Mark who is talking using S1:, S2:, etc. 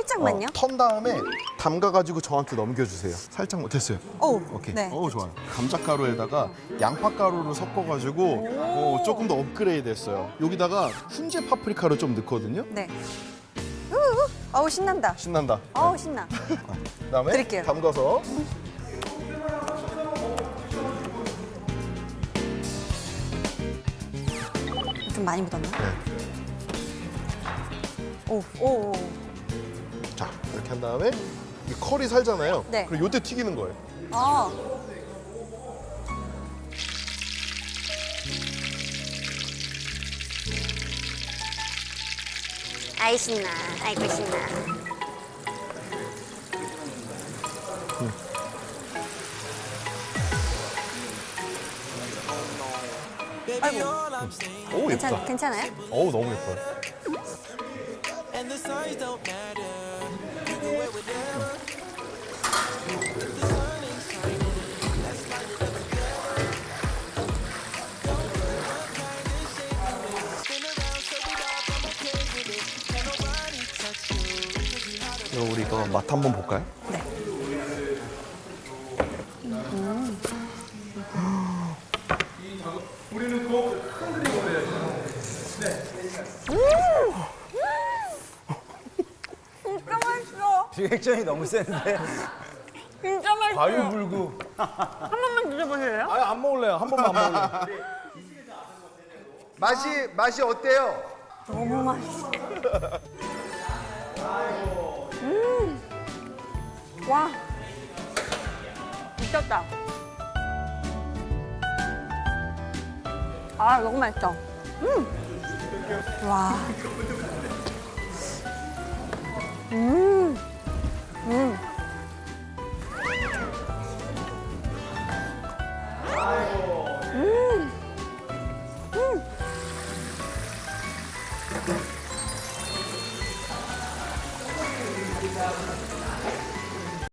S1: 살짝만요.
S2: 턴 다음에 담가가지고 저한테 넘겨주세요. 살짝 못했어요.
S1: 오,
S2: 오케이.
S1: 네.
S2: 좋아요. 감자가루에다가 양파가루를 섞어가지고 조금 더 업그레이드했어요. 여기다가 훈제 파프리카를 좀 넣거든요.
S1: 네. 어우, 신난다.
S2: 신난다.
S1: 어우, 신나.
S2: 그다음에
S1: 드릴게요.
S2: 담가서
S1: 좀 많이 묻었나?
S2: 네.
S1: 오.
S2: 자 이렇게 한 다음에 이 컬이 살잖아요.
S1: 네.
S2: 그리고 요때 튀기는 거예요.
S1: 아. 아이 신나. 아이고 신나. 아이고.
S2: 오 예쁘다.
S1: 괜찮아요?
S2: 어우 너무 예뻐요. 그럼 우리 이거 맛 한번 볼까요?
S1: 네. 진짜 맛있어.
S3: 리액션이 너무 센데.
S1: 진짜 맛있어.
S3: 과유불구.
S1: 한 번만 드셔보실래요?
S3: 아니 안 먹을래요. 한 번만 안 먹을래요.
S4: 맛이 어때요?
S1: 너무 맛있어. 와. 미쳤다. 아, 너무 맛있어. 와.